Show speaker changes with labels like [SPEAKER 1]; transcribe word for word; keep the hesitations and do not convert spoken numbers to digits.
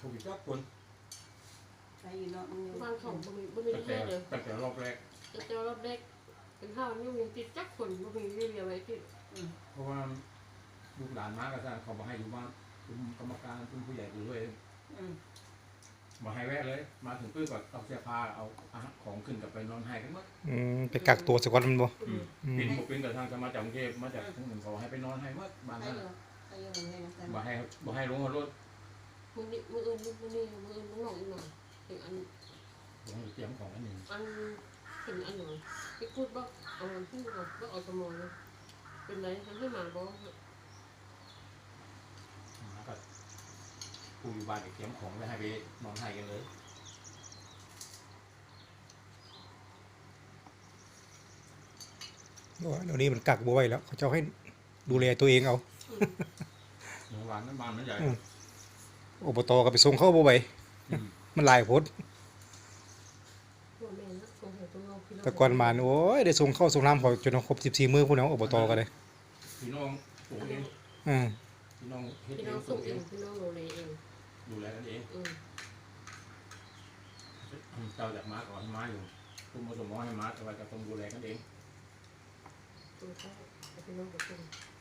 [SPEAKER 1] ผมอีกสักคน
[SPEAKER 2] ใครอยู่เนาะมึง
[SPEAKER 3] บางของบ่มีบ่มี
[SPEAKER 1] ตั้ง
[SPEAKER 3] เรื่
[SPEAKER 1] แต่
[SPEAKER 3] อยเลย
[SPEAKER 1] ตั้งแต่รอบแรก
[SPEAKER 3] จะเจอรอบแรกเป็นข้าวนี่มีติดจักคนบ่มีเรื่อยไว้ติด
[SPEAKER 1] เพราะว่าลูกหลานมาก็จะเขามาให้อยู่บ้านคุณกรรมการคุณผู้ใหญ่ดูด้วยมาให้แวะเลยมาถึงปื้อก็เอาเสื้อผ้าเอาอาหารของขึ้นกับไปนอนให้กันหมด
[SPEAKER 4] อืมไปกักตัวสักวันมันบ่
[SPEAKER 3] อืม
[SPEAKER 4] อืม
[SPEAKER 1] ปินบุกปินกับทางจะมาจากกรุงเทพมาจากทั้งหนึ่งเขาให้ไปนอนให้หมดบ้าน
[SPEAKER 2] ใคร
[SPEAKER 1] นั้น
[SPEAKER 2] อยู่ใครอยู่มึงให้นะ
[SPEAKER 1] มาให้มาให้ลงรถ
[SPEAKER 3] มื้อนี้มื้ออื่นมื้อนี้มื้ออื่นมื้อหนองอีกหน่อยถึงอัน
[SPEAKER 1] ลงเตรียมของอันหนึ่ง
[SPEAKER 3] อันเป็นอันหน่อยพี่พูดบ่เอามันพูดบ่บ่เอาสมองนะเป็นไรทำให้หมาบ่
[SPEAKER 1] มาก็ผู้อยู่บ้านก็เตรียมของไว้ให้ไปนอนให้กันเลย
[SPEAKER 4] เดี๋ยวนี้มันกักบ่ไหวแล้วเขาเจ้าให้ดูแลตัวเองเอา
[SPEAKER 1] โรงพยาบาลนั้นบ้านมันใหญ่
[SPEAKER 4] อบตก็ไปส่งเข้าบ่ไหวมันหลายโพด
[SPEAKER 3] พ่อแม่นะส่งให้ตัวเราพี่น้อง
[SPEAKER 4] แต่ก่อนมาโอ้ยได้ส่งเข้าส่งน้ำเขาจนครบสิบสี่มื้อพุ่นเนาะอบตก็ได้
[SPEAKER 1] พี่น้องปลูกเอง
[SPEAKER 4] อืม
[SPEAKER 1] พี่น้องเฮ็ด
[SPEAKER 3] พี่
[SPEAKER 1] เอ
[SPEAKER 3] น้อง
[SPEAKER 1] งป
[SPEAKER 3] ส่
[SPEAKER 1] ลู
[SPEAKER 3] ง
[SPEAKER 1] ก
[SPEAKER 3] เอ
[SPEAKER 1] เอง ง
[SPEAKER 3] พี่น้องดูแลเอง
[SPEAKER 1] ดูแลกันเอง
[SPEAKER 3] อืม
[SPEAKER 1] เจ้าจากม้าก่อนให้ม้าอยู่คุณมาสมมติให้ม้าแต่ว่าจะต้องดูแลกันเอง
[SPEAKER 3] ตัวเขาพี่น้องก็ส่ง